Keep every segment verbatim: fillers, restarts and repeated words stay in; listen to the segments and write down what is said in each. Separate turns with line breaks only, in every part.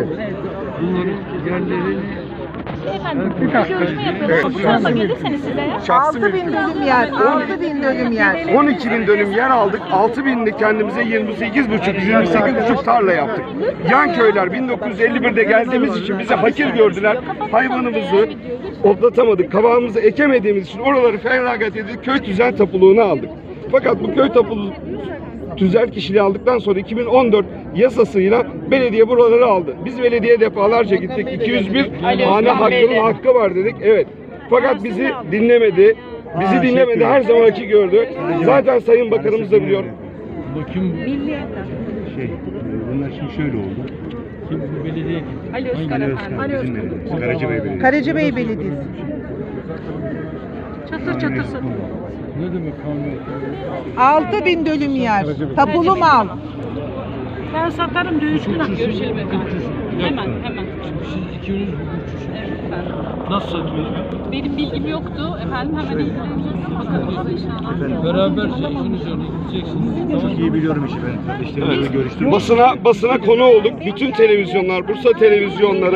Evet.
Bunların yerlerini
Efendim, bir görüşme yapıyoruz. Bu tarafa gelirseniz size ya.
Şahsi
altı bin dönüm yer, altı bin dönüm yer.
on iki bin dönüm yer aldık. altı binli kendimize yirmi sekiz buçuk, yirmi sekiz buçuk tarla yaptık. Yan köyler bin dokuz yüz elli birde geldiğimiz için bizi hakir gördüler. Hayvanımızı otlatamadık. Kabağımızı ekemediğimiz için oraları feragat edip köy tüzel tapuluğunu aldık. Fakat bu köy tapulu tüzel kişiliği aldıktan sonra iki bin on dört yasasıyla belediye buraları aldı. Biz belediye defalarca gittik. iki yüz bir hane hakkının hakkı var dedik. Evet. Fakat bizi dinlemedi. Bizi dinlemedi. Her zamanki gördü. Zaten Sayın Bakanımız da biliyor.
bakım
Şey, bunlar şimdi şöyle oldu.
kim bu belediye kim?
Ali Özkan
Ali
efendim.
Özkan bizim belediyemiz, Karacabey Belediyesi.
Karacabey Belediyesi.
Çatır çatırsın.
Ne demek kanun?
altı bin dönüm yer. Tapulu mal.
Ben satarım dövüş günah. Görüşelim efendim. Hemen hemen.
Şimdi siz ikiniz hukukçusunuz.
Evet efendim.
Nasıl satıyorsunuz?
Benim bilgim yoktu efendim. Hemen ilgileneceğiz. Bakalım inşallah.
Beraberce işin üzerine gideceksiniz.
Çok iyi biliyorum işi ben. Kardeşlerimle görüştüm.
Basına basına konu olduk. Bütün televizyonlar, Bursa televizyonları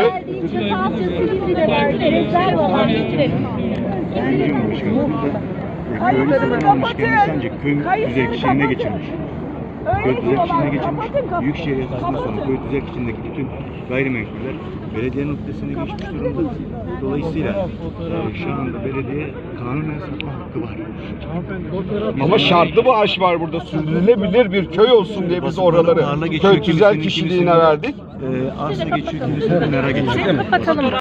Biliyorum başkanım. Köylü satın almış kendisi ancak köy düzey kişiliğine geçirmiş. Köy düzey kişiliğine geçirmiş. Büyükşehir yasasından sonra köy düzey kişiliğindeki bütün gayrimenkuller belediyenin noktasına geçmiş durumda. Dolayısıyla e, şu anda belediye kanunen satma hakkı var.
ama şartlı bir aş var burada. Sürdürülebilir bir köy olsun diye biz oraları köy tüzel kişiliğine verdik.
E, arsa geçiyor, kimisinin nara geçiyor.
Kapatalım.